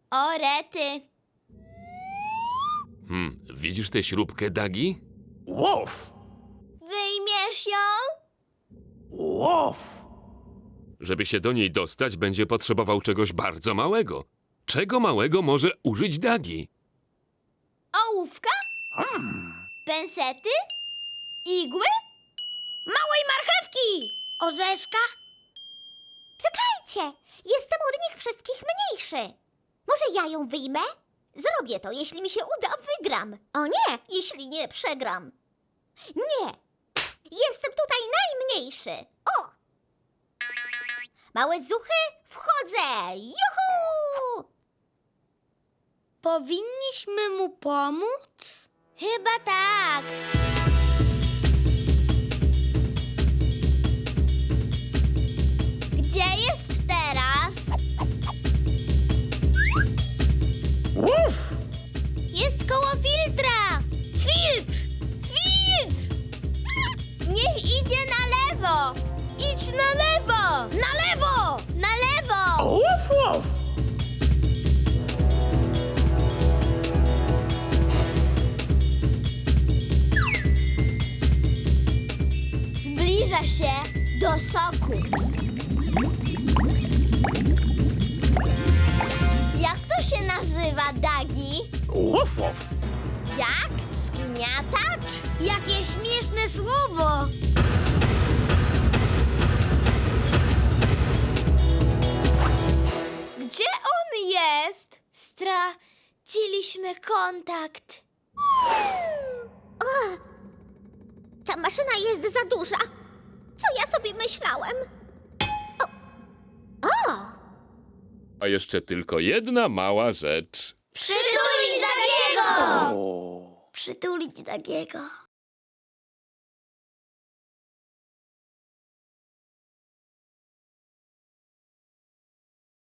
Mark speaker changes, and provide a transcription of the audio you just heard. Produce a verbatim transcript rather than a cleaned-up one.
Speaker 1: O, rety.
Speaker 2: Hmm, widzisz tę śrubkę, Dagi?
Speaker 3: Łow!
Speaker 1: Wyjmiesz ją?
Speaker 3: Łow!
Speaker 2: Żeby się do niej dostać, będzie potrzebował czegoś bardzo małego. Czego małego może użyć Dagi?
Speaker 1: Ołówka? Pensety? Igły? Małej marchewki! Orzeszka?
Speaker 4: Czekajcie! Jestem od nich wszystkich mniejszy. Może ja ją wyjmę? Zrobię to, jeśli mi się uda, wygram. O nie, jeśli nie, przegram. Nie! Jestem tutaj najmniejszy. O! Małe zuchy, wchodzę! Juhu!
Speaker 1: Powinniśmy mu pomóc? Chyba tak. Gdzie jest teraz?
Speaker 3: Łow!
Speaker 1: Jest koło filtra! Filtr! Filtr! Niech idzie na lewo! Idź na lewo! Na lewo! Na lewo!
Speaker 3: Łow, łow!
Speaker 1: Zbliża się do soku. Jak to się nazywa, Dagi?
Speaker 3: Łow, łow!
Speaker 1: Jak? Zgniatacz? Jakie śmieszne słowo! Gdzie on jest? Straciliśmy kontakt.
Speaker 4: Ta maszyna jest za duża. Co ja sobie myślałem? O! O!
Speaker 2: A jeszcze tylko jedna mała rzecz.
Speaker 1: Przytulić Dagiego!
Speaker 3: O.
Speaker 1: Przytulić Dagiego.